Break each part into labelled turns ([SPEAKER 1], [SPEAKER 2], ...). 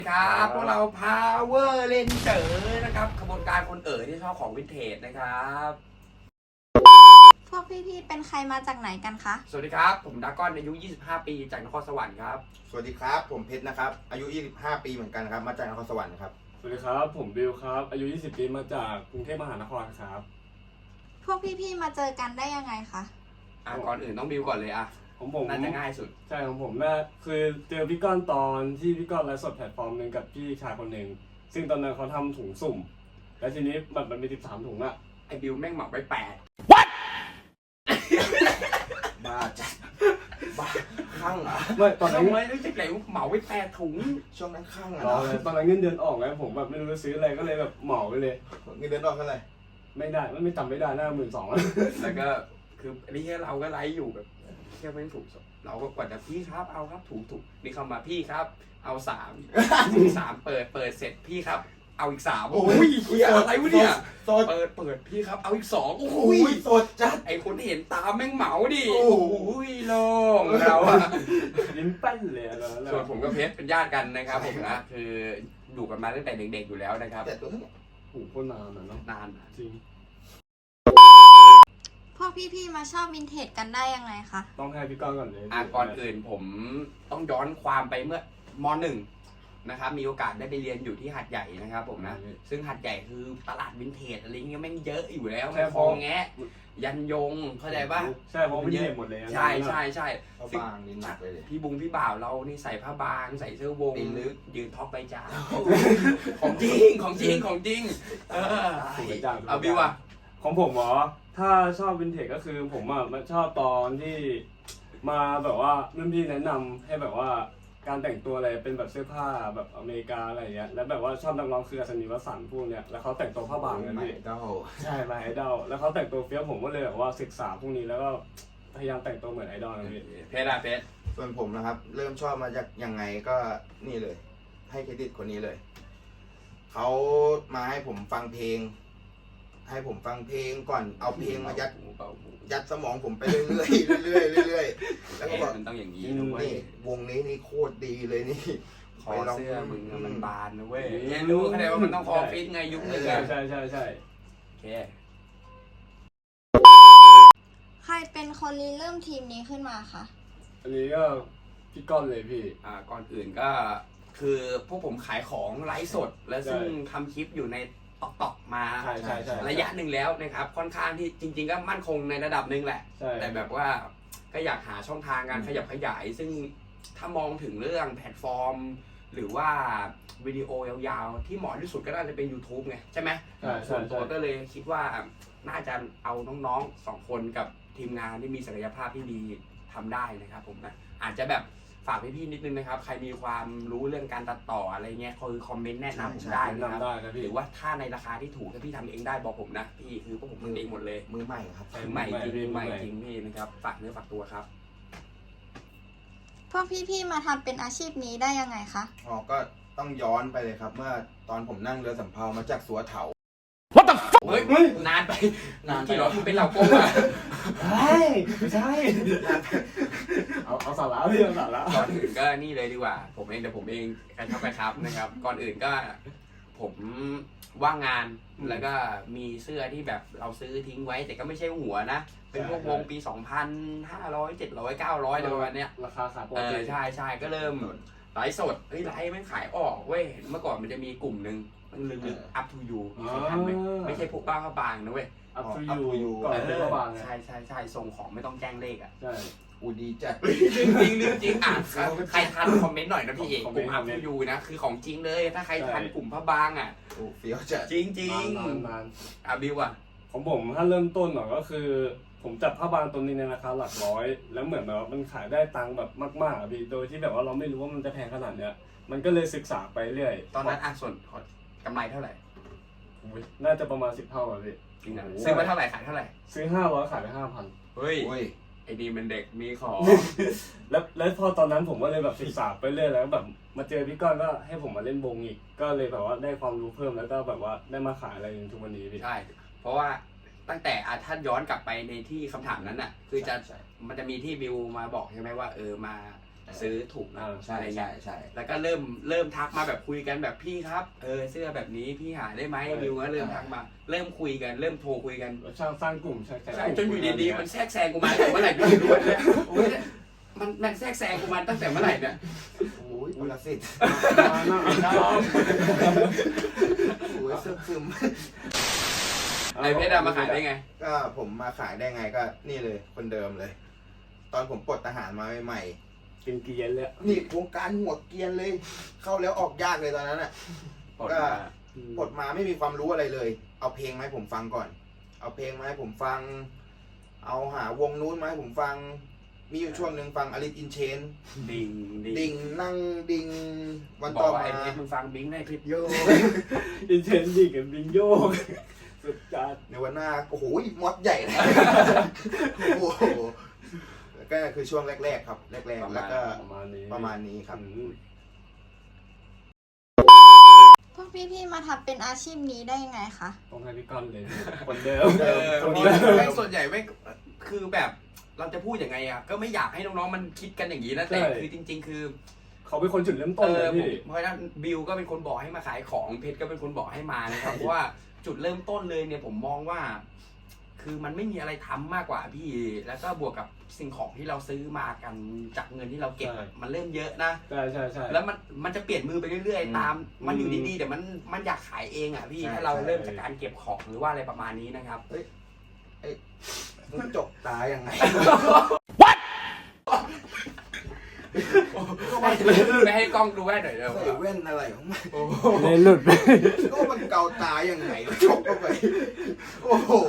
[SPEAKER 1] ครับพวกเรา Power Ranger นะครับขบวนการคนที่ชอบของวินเทจนะครับ
[SPEAKER 2] พวกพี่ๆ เป็นใครมาจากไหนกันคะ
[SPEAKER 1] สวัสดีครับผมดากอนอายุ25 ปีจากนครสวรรค์ครับ
[SPEAKER 3] สวัสดีครับผมเพชรนะครับอายุ25 ปีเหมือนกันครับมาจากนครสวรรค์ครับ
[SPEAKER 4] สวัสดีครับผมบิวครับอายุ20 ปีมาจากกรุงเทพมหานครครับ
[SPEAKER 2] พวกพี่ๆ มาเจอกันได้ยังไงคะ
[SPEAKER 1] ก่อนอื่นต้องบิวก่อนเลย
[SPEAKER 4] ผม
[SPEAKER 1] น่าจะง่ายสุด
[SPEAKER 4] ใช่ของผมน่าคือเจอพี่ก้อนตอนที่พี่ก้อนไลฟ์สดแพลตฟอร์มหนึ่งกับพี่ชายคนหนึ่งซึ่งตอนนั้นเขาทำถุงสุ่มแล้วทีนี้มันมี13 ถุงอะ
[SPEAKER 1] ไอ้บิวแม่งเหมาไป8
[SPEAKER 3] บ้าจัดบ้าข้างเหรอ
[SPEAKER 4] ไม่ตอน
[SPEAKER 1] ทำ
[SPEAKER 4] นั้น
[SPEAKER 1] ไมรู้จักไหนเหมาไป8 ถุง
[SPEAKER 3] ช่วงนั้นข้างเหร
[SPEAKER 4] รอ
[SPEAKER 3] อ
[SPEAKER 4] เลยตอนนั้นเงินเดือนออกแล้วผมแบบไม่รู้จะซื้ออะไรก็เลยแบบเหมาไปเลย
[SPEAKER 3] เงินเดือนออกเท่าไหร่
[SPEAKER 4] ไม่ได้ไม่จำไม่ได้น่า12,000แล้ว
[SPEAKER 1] แล้วก็คือนี่เราก็ไลฟ์อยู่แบบเที่ยวไม่ถูกเราก็กว่าจะพี่ครับเอาครับถูกนี่เข้ามาพี่ครับเอา3 เปิดเสร็จพี่ครับเอาอีก3โอ้ยเฮียอะไรวะเนี่ย
[SPEAKER 3] สด
[SPEAKER 1] เปิดพี่ครับเอาอีก2โอ้
[SPEAKER 3] อุ้
[SPEAKER 1] ย
[SPEAKER 3] ยสดจัด
[SPEAKER 1] ไอคนที่เห็นตามแม่งเหมาดิ
[SPEAKER 3] โอ้
[SPEAKER 1] โอ้
[SPEAKER 3] โห
[SPEAKER 1] โล่งเราอะ
[SPEAKER 4] ยิ้มแป้นเลยอะแล้ว
[SPEAKER 1] ส่วนผมกับเพชรเป็นญาติกันนะครับผมนะคืออยู่กันมาตั้งแต่เด็กๆอยู่แล้วนะครับ
[SPEAKER 3] แต่ตัวเท่าไหร่
[SPEAKER 4] โอ้โหโคตรนานอะเนาะ
[SPEAKER 1] นาน
[SPEAKER 4] จริง
[SPEAKER 2] พวกพี่ๆ มาชอบวินเทจกันได้ยังไงคะ
[SPEAKER 4] ต้องให้พี่ก้อนก่อนเลย
[SPEAKER 1] ก่อนอื่นผมต้องย้อนความไปเมื่อม.1 นะครับมีโอกาสได้ไปเรียนอยู่ที่หัดใหญ่นะครับผมนะซึ่งหัดใหญ่คือตลาดวินเทจอะไรเงี้ยแม่งเยอะอยู่แล้วคลองแงะยันยงเข้าใจป่ะ
[SPEAKER 4] ใช่เพราะวินเทจหมดเลย
[SPEAKER 1] ใช่
[SPEAKER 3] เขาบางนี่หนักเลย
[SPEAKER 1] พี่บ่าวเรานี่ใส่ผ้าบางใส่เสื้อวง
[SPEAKER 3] ตีนลึก
[SPEAKER 1] ยืนท็อปใบจาของจริงเอาบิวอะ
[SPEAKER 4] ของผมเหรอถ้าชอบวินเทจก็คือผมอ่ะมันชอบตอนที่มาแบบว่ารุ่นพี่แนะนำให้แบบว่าการแต่งตัวอะไรเป็นแบบเสื้อผ้าแบบอเมริกาอะไรอย่างเงี้ยแล้วแบบว่าชอบนักร้องคืออัศนีวสันต์พวกเนี้ยแล้วเขาแต่งตัวผ้าบางกัน
[SPEAKER 3] ใหม่
[SPEAKER 4] พี่
[SPEAKER 3] เก้า
[SPEAKER 4] ใช่มาไอดอลแล้วเขาแต่งตัวเฟี้ยวผมก็เลยแบบว่าศึกษาพวกนี้แล้วก็พยายามแต่งตัวเหมือนไอดอลนะพี่
[SPEAKER 1] เพชร
[SPEAKER 3] ส่วนผมนะครับ เริ่มชอบมาจากยังไงก็นี่เลย ให้เครดิตคนนี้เลยเขามาให้ผมฟังเพลง ให้ผมฟังเพลงก่อนเอาเพลงมายัดสมองผมไปเรื่อยๆเรื่อยๆเรื่อยๆแล้วก็บอก
[SPEAKER 1] มันต้องอย่างนี้นะเว้ย
[SPEAKER 3] นี่วงนี้นี่โคตรดีเลยนี่
[SPEAKER 1] คอเสื้อมึงอะมันบานนะเว้ยรู้เข้าใจว่ามันต้องคอฟิตไงยุคนึงอะ
[SPEAKER 4] ใช่
[SPEAKER 1] โอเค
[SPEAKER 2] ใครเป็นคนริเริ่มทีมนี้ขึ้นมาคะ
[SPEAKER 4] อันนี้ก็พี่ก้อนเลยพี่
[SPEAKER 1] ก่อนอื่นก็คือพวกผมขายของไลฟ์สด และซึ่งทำคลิปอยู่ในตอกมา
[SPEAKER 4] ใช่
[SPEAKER 1] ระยะหนึ่งแล้วนะครับค่อนข้างที่จริง ๆ ก็มั่นคงในระดับหนึ่งแหละ
[SPEAKER 4] ใช่
[SPEAKER 1] แต่แบบว่าก็อยากหาช่องทางการขยับขยาย ซึ่งถ้ามองถึงเรื่องแพลตฟอร์ม หรือว่าวิดีโอยาวๆ ที่เหมาะที่สุดก็น่าจะเป็น YouTube ไงใช่ไหม ส่วนตัวก็เลยคิดว่าน่าจะเอาน้องๆ2 คนกับทีมงานที่มีศักยภาพที่ดีทำได้นะครับผมนะอาจจะแบบฝากพี่ๆนิดนึงนะครับใครมีความรู้เรื่องการตัดต่ออะไรเงี้ยคือคอมเมนต์แนะนำผมได้นะครับ
[SPEAKER 4] ได้นะพี่
[SPEAKER 1] หรือว่าถ้าในราคาที่ถูกถ้าพี่ทำเองได้บอกผมนะพี่คือพวกผมทำเองหมดเลย
[SPEAKER 3] มือใหม่ครับ
[SPEAKER 1] ใหม่จริงพี่นะครับฝากเนื้อฝากตัวครับ
[SPEAKER 2] พวกพี่ๆ มาทำเป็นอาชีพนี้ได้ยังไงคะ
[SPEAKER 3] อ๋อก็ต้องย้อนไปเลยครับ เมื่อตอนผมนั่งเรือสำเภามาจากสัวเถา
[SPEAKER 1] เฮ้ยนานไปที่เราเป็นเราโก้อะ
[SPEAKER 4] ไม่ใช่เอาสาระพี่เอาสาระ
[SPEAKER 1] ก่อนอื่นก็นี่เลยดีกว่าผมเองแต่ผมเองกระชับนะครับก่อนอื่นก็ผมว่างงานแล้วก็มีเสื้อที่แบบเราซื้อทิ้งไว้แต่ก็ไม่ใช่หัวนะเป็นพวกวงปี 2,500 700 900อะไรประมาณเนี้ย
[SPEAKER 4] ราคาขาปกติ
[SPEAKER 1] ใช่ก็เริ่มไลฟ์สดไลฟ์มันขายออกเว้ยเมื่อก่อนมันจะมีกลุ่มหนึ่งมันลึกๆ up to you มีใครทันไหมไม่ใช่พวกบ้าข้าบางนะเว้ย
[SPEAKER 4] อัพทูยูก่อนเป็นระหว่าง
[SPEAKER 1] ใช่ส่งของไม่ต้องแจ้งเลขอ่ะ
[SPEAKER 4] ใช่
[SPEAKER 3] อูดีจัด
[SPEAKER 1] เรื่องจริงใครทันคอมเมนต์หน่อยนะพี่เอกกลุ่ม up to you นะคือของจริงเลยถ้าใครทันกลุ่มผ้าบางอ่ะ
[SPEAKER 3] โอ้เฟี้ยวจัด
[SPEAKER 1] จริง
[SPEAKER 4] นาน
[SPEAKER 1] บิวอ่ะ
[SPEAKER 4] ของผมถ้าเริ่มต้นหน่อยก็คือ ผมจับผ้าบางตัวนี้ในราคาหลักร้อยแล้วเหมือนแบบมันขายได้ตังค์แบบมากๆพี่โดยที่แบบว่าเราไม่รู้ว่ามันจะแพงขนาดเนี้ยมันก็เลยศึกษาไปเรื่อย
[SPEAKER 1] ตอนนั้นส่วนกำไรเท่าไหร่
[SPEAKER 4] น่าจะประมาณ10 เท่าอะพี่
[SPEAKER 1] จริงอ่ะซื้อมาเท่าไหร่ขายเท่าไหร่
[SPEAKER 4] ซื้อ500ขายไป5,000
[SPEAKER 1] เฮ้ย
[SPEAKER 3] โอ้ย
[SPEAKER 1] ไอ้ดีมันเด็กมีของ
[SPEAKER 4] แล้วพอตอนนั้นผมก็เลยแบบศึกษาไปเรื่อยแล้วแบบมาเจอพี่ก้อนก็ให้ผมมาเล่นวงอีกก็เลยแบบว่าได้ความรู้เพิ่มแล้วก็แบบว่าได้มาขายอะไรอย่างทุกวันนี้พี่
[SPEAKER 1] ใช่เพราะว่าตั้งแต่ถ้าย้อนกลับไปในที่คำถามนั้นน่ะคือจะ
[SPEAKER 3] ใช่
[SPEAKER 1] มันจะมีที่บิวมาบอกใช่ไหมว่ามาซื้อถูกนะ
[SPEAKER 3] ใช่
[SPEAKER 1] อะไร
[SPEAKER 3] ใช่
[SPEAKER 1] เงี้ย
[SPEAKER 3] ใช่
[SPEAKER 1] แล้วก็เริ่มทักมาแบบคุยกันแบบพี่ครับเสื้อแบบนี้พี่หาได้ไหมบิวก็เริ่มทักมาเริ่มคุยกันเริ่มโทรคุยกัน
[SPEAKER 4] สร้างกลุ่มใช่
[SPEAKER 1] ใช่จนอยู่ดีๆมันแทรกแซงกูมาตั้งแต่เมื่อไหร่พี่รู้เนี่ยโอ้ยมันแทรกแซงกูมาตั้งแต่เมื่อไหร่เนี่ย
[SPEAKER 3] โอ้ยอุลสิทธิ์
[SPEAKER 4] น้อง
[SPEAKER 3] โอ้ยซึม
[SPEAKER 1] ไอเพชรมาขายได้ไง
[SPEAKER 3] ก็ผมมาขายได้ไงก็นี่เลยคนเดิมเลย ตอนผมปลดทหารมาใหม่
[SPEAKER 4] กินเกียนเลย
[SPEAKER 3] ๆนี่วงการหัวเกรียนเลย เข้าแล้วออกยากเลยตอนนั้นอ่ะ
[SPEAKER 1] ปลด
[SPEAKER 3] ก็
[SPEAKER 1] มา
[SPEAKER 3] ปลดมาไม่มีความรู้อะไรเลย เอาเพลงมาให้ผมฟังก่อน เอาเพลงมาให้ผมฟัง เอาหาวงนู้นมาให้ผมฟัง มีอยู่ช่วงหนึ่งฟังอลิสอินเชน
[SPEAKER 1] ดิ่ง
[SPEAKER 3] ดิ่งนั่งดิ่งวัน
[SPEAKER 1] บอ
[SPEAKER 3] ต่อก
[SPEAKER 1] ว่า
[SPEAKER 3] มา
[SPEAKER 1] ไอเพชรมึงฟังบิงได้เพชรโย
[SPEAKER 4] อินเทนดิกับบิงโยกสุดจัด
[SPEAKER 3] ในวันหน้าโอ้โหมอดใหญ่เลยโอ้โหก็คือช่วงแรกๆครับ แรกๆแล้วก็
[SPEAKER 4] ประมาณนี้
[SPEAKER 3] ครับ
[SPEAKER 2] พวกพี่ๆมาทำเป็นอาชีพนี้ได้ยังไงคะ
[SPEAKER 4] ต้องให้พี่ก้อนเลยคนเดิม
[SPEAKER 1] คน
[SPEAKER 4] เดิ
[SPEAKER 1] นี้
[SPEAKER 4] ม
[SPEAKER 1] ไม่ส่วนใหญ่ไม่คือแบบเราจะพูดยังไงอ่ะก็ไม่อยากให้น้องๆมันคิดกันอย่างนี้นะแต่
[SPEAKER 4] ใช่
[SPEAKER 1] คือจริง ๆ คือ
[SPEAKER 4] เขาเป็นคนจุดเริ่มต้นเลย
[SPEAKER 1] ผม
[SPEAKER 4] พี่
[SPEAKER 1] เพราะฉะนั้นบิวก็เป็นคนบอกให้มาขายของเพชรก็เป็นคนบอกให้มานะครับ เพราะว่าจุดเริ่มต้นเลยเนี่ยผมมองว่า คือมันไม่มีอะไรทำมากกว่าพี่ แล้วก็บวกกับสิ่งของที่เราซื้อมากันจากเงินที่เราเก็บ
[SPEAKER 4] ใช่
[SPEAKER 1] มันเริ่มเยอะนะ
[SPEAKER 4] ใช่ใช่ใช่
[SPEAKER 1] แล้วมันจะเปลี่ยนมือไปเรื่อยๆ ตาม มันอยู่
[SPEAKER 4] อืม
[SPEAKER 1] ดีๆแต่มันอยากขายเองอ่ะพี่
[SPEAKER 3] ใช่
[SPEAKER 1] ถ้าเรา
[SPEAKER 3] ใช่
[SPEAKER 1] เริ่มจากการเก็บของหรือว่าอะไรประมาณนี้นะครับ
[SPEAKER 3] มันจกตายังไง
[SPEAKER 1] ไม่ให้กล้องดูแว่นหน่อยเดี๋ยว
[SPEAKER 3] ใส่แว่นอะไรของมัน
[SPEAKER 4] เลยหลุดไป
[SPEAKER 3] ก็มันเกาตายังไงจกเข้าไป โอ้โห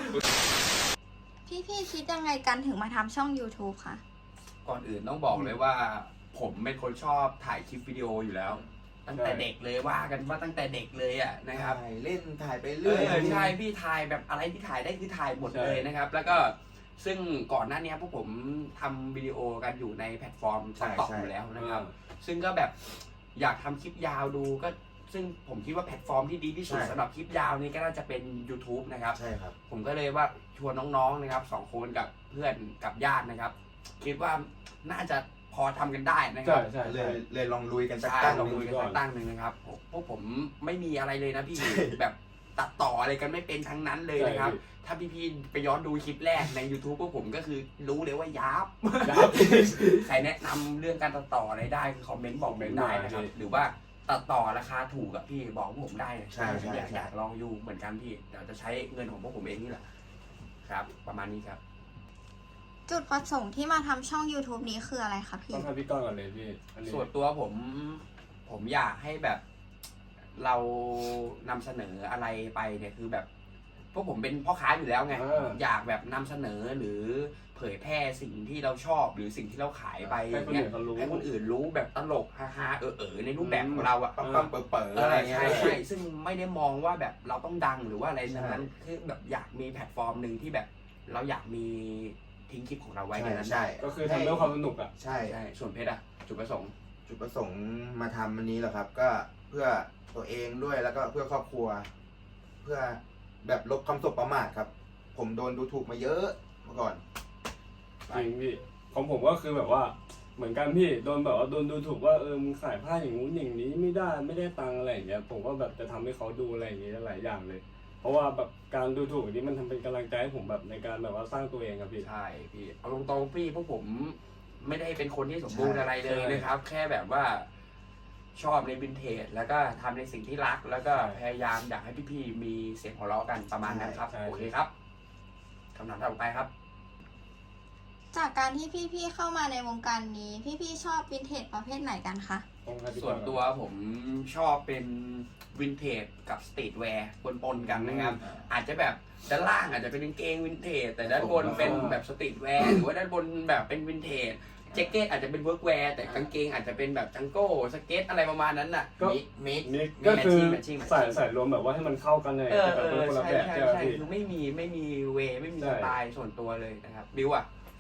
[SPEAKER 2] พี่ๆคิดยังไงกันถึงมาทำช่อง YouTube คะ
[SPEAKER 1] ก่อนอื่นต้องบอกเลยว่า ผมเป็นคนชอบถ่ายคลิปวิดีโออยู่แล้ว ตั้งแต่เด็กเลยว่ากันว่าตั้งแต่เด็กเลยอ่ะนะครับ
[SPEAKER 3] ถ่ายเล่นถ่ายไป
[SPEAKER 1] เอ
[SPEAKER 3] เรื่อย
[SPEAKER 1] อใช่พี่ถ่ายแบบอะไรที่ถ่ายได้คือถ่ายหมดเลยนะครับ แล้วก็ซึ่งก่อนหน้านี้พวกผมทำวิดีโอกันอยู่ในแพลตฟอร์มต่ออยู่แล้วนะครับ ซึ่งก็แบบอยากทำคลิปยาวดูก็ซึ่งผมคิดว่าแพลตฟอร์มที่ดีที่สุดสำหรับคลิปยาวนี่ก็น่าจะเป็น YouTube นะครับ
[SPEAKER 3] ใช่ครับ
[SPEAKER 1] ผมก็เลยว่าชวนน้องๆนะครับ2 คนกับเพื่อนกับญาตินะครับ คิดว่าน่าจะพอทำกันได้นะค
[SPEAKER 4] ใช่
[SPEAKER 1] รับ
[SPEAKER 4] ใช่
[SPEAKER 3] เล
[SPEAKER 4] ใช่
[SPEAKER 3] ยเลยลองลุยกันสัก
[SPEAKER 1] ใช่
[SPEAKER 3] ตั้ง
[SPEAKER 1] ลอง
[SPEAKER 3] หนึ่
[SPEAKER 1] ดู
[SPEAKER 3] ง
[SPEAKER 1] กันสักตั้งหนึ่งนะครับพวกผมไม่มีอะไรเลยนะพี่ แบบตัดต่ออะไรกันไม่เป็นทั้งนั้นเลยนะครับ ถ้าพี่ๆไปย้อนดูคลิปแรกใน YouTube พวกผมก็คือรู้เลยว่ายับ ใครแนะนำเรื่องการตัดต่ออะไรได้คือคอมเมนต์บอกผมได้นะครับ หรือว่าตัดต่อราคาถูกกับพี่บอกพวกผมได้นะ
[SPEAKER 3] ใช่ใช่
[SPEAKER 1] อยากลองอยู่เหมือนกันพี่เดี๋ยวจะใช้เงินของพวกผมเองนี่แหละครับ ประมาณนี้ครับ
[SPEAKER 2] จุดประสงค์ที่มาทำช่อง YouTube นี้คืออะไรคะพี่
[SPEAKER 4] ต้องให้พี่ก้อนก่อนเลยพี่อันนี้
[SPEAKER 1] ส่วนตัวผมอยากให้แบบเรานำเสนออะไรไปเนี่ยคือแบบพวกผมเป็นพ่อค้าอยู่แล้วไง อยากแบบนำเสนอหรือเผยแพร่สิ่งที่เราชอบหรือสิ่งที่เราขายไป
[SPEAKER 4] ให้คน
[SPEAKER 1] เงี้
[SPEAKER 4] อื่
[SPEAKER 1] ย
[SPEAKER 4] นเขารู้
[SPEAKER 1] ให้คนอื่นรู้แบบตลกฮาๆในรูปแบบของเราอะ
[SPEAKER 3] ปั๊มเปิดอะไรเงี้ย
[SPEAKER 1] ใช่ใช่ซึ่งไม่ได้มองว่าแบบเราต้องดังหรือว่าอะไรนั้นคือแบบอยากมีแพลตฟอร์มหนึ่งที่แบบเราอยากมีทิ้งคลิปของเราไว้ในนั้น
[SPEAKER 3] ใช่
[SPEAKER 4] ก็คือทำด้วยความสนุกอ่ะ
[SPEAKER 3] ใช่
[SPEAKER 1] ใช่ส่วนเพชรอะจุดประสงค์
[SPEAKER 3] จุดประสงค์มาทำอันนี้แหละครับ ก็เพื่อตัวเองด้วยแล้วก็เพื่อครอบครัว เพื่อแบบลบคำสบประมาทครับ ผมโดนดูถูกมาเยอะเมื่อก่อน
[SPEAKER 4] จริงพี่ของผมก็คือแบบว่าเหมือนกันพี่โดนแบบว่าโดนดูถูกว่ามึงขายผ้าอย่างงู้นอย่างนี้ไม่ได้ตังค์อะไรอย่างเงี้ยผมก็แบบจะทำให้เขาดูอะไรอย่างเงี้ยหลายอย่างเลย เพราะว่าแบบการดูถูกนี้มันทำเป็นกำลังใจให้ผมแบบในการแบบว่าสร้างตัวเองครับพี่
[SPEAKER 1] ใช่พี่เอาตรงๆพี่พวกผมไม่ได้เป็นคนที่สมบูรณ์
[SPEAKER 3] ใช่
[SPEAKER 1] อะไรเลย
[SPEAKER 4] ใช่
[SPEAKER 1] นะครับ แค่แบบว่าชอบในวินเทจแล้วก็ทำในสิ่งที่รัก แล้วก็พยายามอยากให้พี่ๆมีเสียงหัวเราะกันประมาณนั้นครับโอเคครับคำถามต่อไปครับ
[SPEAKER 2] จากการที่พี่ๆเข้ามาในวงการนี้ พี่ๆชอบวินเทจประเภทไหนกันคะ
[SPEAKER 4] ต้องให้พี่
[SPEAKER 1] ส่วนตัวผมชอบเป็นวินเทจกับสตรีทแวร์ปนๆกันนะครับ อาจจะแบบด้านล่างอาจจะเป็นกางเกงวินเทจแต่ด้านบนเป็นแบบสตรีทแวร์หรือว่าด้านบนแบบเป็นวินเทจแจ็คเก็ตอาจจะเป็นเวิร์กแวร์แต่กางเกงอาจจะเป็นแบบจังโก้สเก็ตอะไรประมาณนั้นน่ะ
[SPEAKER 3] มิก
[SPEAKER 4] นี่ก็คือ
[SPEAKER 1] matching
[SPEAKER 4] ใส่รวมแบบว่าให้มันเข้ากันเลยแต่เป็นคนละ
[SPEAKER 1] ใช่
[SPEAKER 4] แบบ
[SPEAKER 1] ใช่
[SPEAKER 4] ใช่ไหม
[SPEAKER 1] ใช่
[SPEAKER 4] พี่
[SPEAKER 1] คือไม่มีเวไม่มี
[SPEAKER 4] ใช่
[SPEAKER 1] สไตล์ส่วนตัวเลยนะครับบิวอ่ะ
[SPEAKER 4] ข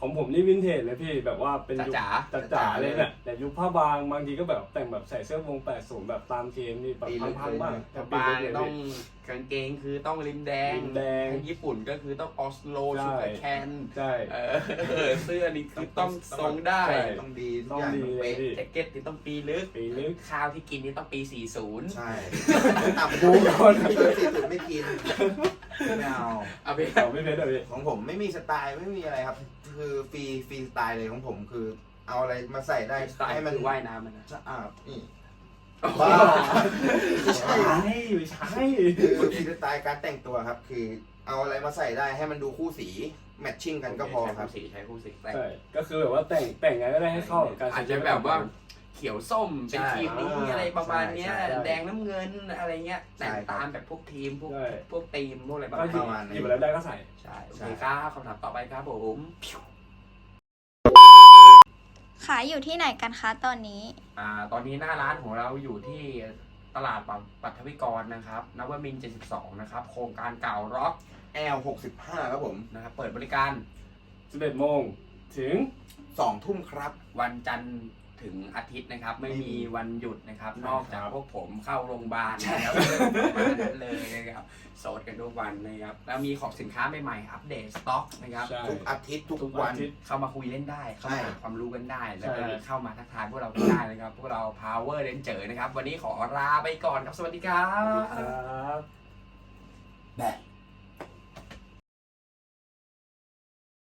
[SPEAKER 4] ของผมนี่วินเทจเลยพี่แบบว่าเป็นยุค
[SPEAKER 1] จ๋า
[SPEAKER 4] จ๋าๆเลยเนี่ยแต่ยุคผ้าบางบางทีก็แบบแต่งแบบใส่เสื้อวง80แบบตามเกมนี่แบบพังๆบ้าง
[SPEAKER 1] กระบางต้องกางเกงคือต้องริมแดง
[SPEAKER 4] ริมแดง
[SPEAKER 1] ทางญี่ปุ่นก็คือต้องออสโล
[SPEAKER 4] ใช่
[SPEAKER 1] ชูการ์แคน
[SPEAKER 4] ใช่
[SPEAKER 1] เสื้อนี่คือต้องทรงได้
[SPEAKER 4] ใช่
[SPEAKER 3] ต้องดีทุ
[SPEAKER 4] ต้
[SPEAKER 3] ก
[SPEAKER 4] อง
[SPEAKER 3] อย่าง
[SPEAKER 4] ดี
[SPEAKER 3] ต้อง
[SPEAKER 4] เลย
[SPEAKER 3] เป๊ะ
[SPEAKER 4] พี่
[SPEAKER 1] แจ็คเก็ตนี่ต้องปีลึก
[SPEAKER 4] ปีลึก
[SPEAKER 1] ข้าวที่กินนี่ต้องปี 40
[SPEAKER 3] ใช่ต่ำ
[SPEAKER 4] ดู
[SPEAKER 3] ดู
[SPEAKER 4] ก่อน
[SPEAKER 3] เกิน40ไม่กินไม่เอา
[SPEAKER 1] เอาไป
[SPEAKER 4] เราไม่เป็นเลยพี่
[SPEAKER 3] ของผมไม่มีสไตล์ไม่มีอะไรครับ คือฟรีสไตล์เลยของผมคือเอาอะไรมาใส่ได้
[SPEAKER 1] สไตล์
[SPEAKER 3] ให้มัน
[SPEAKER 1] คือว่ายน้ำมันนะ
[SPEAKER 3] สะอาดนี่
[SPEAKER 1] บ้า
[SPEAKER 4] ไม่ใช่ไม่ใช่
[SPEAKER 3] คือฟรีสไตล์การแต่งตัวครับ คือเอาอะไรมาใส่ได้ให้มันดูคู่สีแมทชิ่งกันก็พอครับ
[SPEAKER 1] ใช้คู่สี
[SPEAKER 4] ใช่ก็คือแบบว่าแต่งไงก็ได้ให้เข้ากับการ
[SPEAKER 1] อาจจะแบบว่าเขียวส้มเป็น
[SPEAKER 3] ใช่
[SPEAKER 1] ทีมนี้อะไรประมาณเนี้ย
[SPEAKER 3] ใช่
[SPEAKER 1] แดงน้ำเงินอะไรเงี้ย
[SPEAKER 3] ใช่
[SPEAKER 1] แต่ง
[SPEAKER 3] ครับ
[SPEAKER 1] ตามแบบพวกทีมพวก
[SPEAKER 4] ใช่
[SPEAKER 1] พวกทีมพวกอะไรประ
[SPEAKER 4] ก็
[SPEAKER 1] มาณ
[SPEAKER 4] หยิบ
[SPEAKER 1] นี้
[SPEAKER 3] ประมาณนี้
[SPEAKER 4] หยิบอะไรได้ก็ใส่
[SPEAKER 1] ใช่โอเคครับคำถามต่อไปครับผม
[SPEAKER 2] ขายอยู่ที่ไหนกันคะตอนนี้
[SPEAKER 1] ตอนนี้หน้าร้านของเราอยู่ที่ตลาดปัทวิกรนะครับนวมินทร์72นะครับโครงการเก่าร็อก
[SPEAKER 3] L65 ครับผม
[SPEAKER 1] นะครับเปิดบริการ
[SPEAKER 4] 11 โมงถึง
[SPEAKER 3] 2 ทุ่มครับ
[SPEAKER 1] วันจันทร์ถึงอาทิตย์นะครับ ไม่มีวันหยุดนะครับ
[SPEAKER 4] ใช่
[SPEAKER 1] นอกจาก
[SPEAKER 4] ครับ
[SPEAKER 1] พวกผมเข้าโรงพยาบาลนะครับประมาณนั้นเลยนะครับโสดกันทุกวันนะครับแล้วมีของสินค้าใหม่ๆอัปเดตสต็อกนะครับ
[SPEAKER 4] ใช่
[SPEAKER 3] ทุกอาทิตย์ทุก
[SPEAKER 4] ทุก
[SPEAKER 3] วั
[SPEAKER 4] วัน นอาทิตย์
[SPEAKER 1] เข้ามาคุยเล่นได้ เข้ามา
[SPEAKER 3] ใช่
[SPEAKER 1] หาความรู้กันได้ แล้วก็
[SPEAKER 4] ใช่
[SPEAKER 1] เข้ามาทักทายพวกเรากันได้นะครับ พวกเรา Power Ranger นะครับ วันนี้ขอลาไปก่อนครับ สวัสดีครับ
[SPEAKER 4] ครับ
[SPEAKER 3] แบบ